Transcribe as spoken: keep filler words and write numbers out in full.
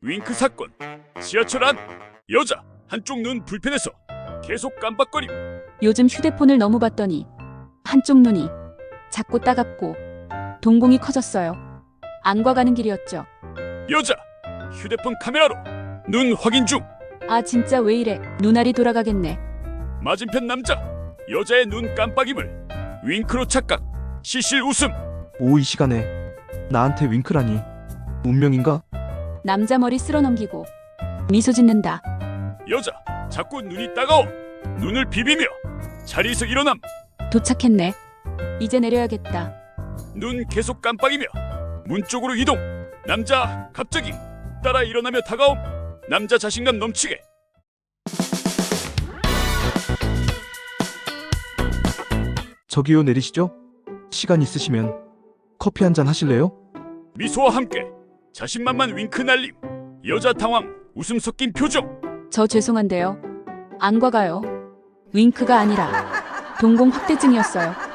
윙크 사건. 지하철 안. 여자 한쪽 눈 불편해서 계속 깜빡거림. 요즘 휴대폰을 너무 봤더니 한쪽 눈이 작고 따갑고 동공이 커졌어요. 안과 가는 길이었죠. 여자 휴대폰 카메라로 눈 확인 중. 아 진짜 왜 이래. 눈알이 돌아가겠네. 맞은편 남자 여자의 눈 깜빡임을 윙크로 착각. 시실 웃음. 오, 이 시간에 나한테 윙크라니. 운명인가? 남자 머리 쓸어 넘기고 미소 짓는다. 여자 자꾸 눈이 따가워. 눈을 비비며 자리에서 일어남. 도착했네. 이제 내려야겠다. 눈 계속 깜빡이며 문 쪽으로 이동. 남자 갑자기 따라 일어나며 다가옴. 남자 자신감 넘치게. 저기요, 내리시죠? 시간 있으시면 커피 한잔 하실래요? 미소와 함께 자신만만 윙크 날림. 여자 당황 웃음 섞인 표정. 저 죄송한데요. 안과 가요. 윙크가 아니라 동공 확대증이었어요.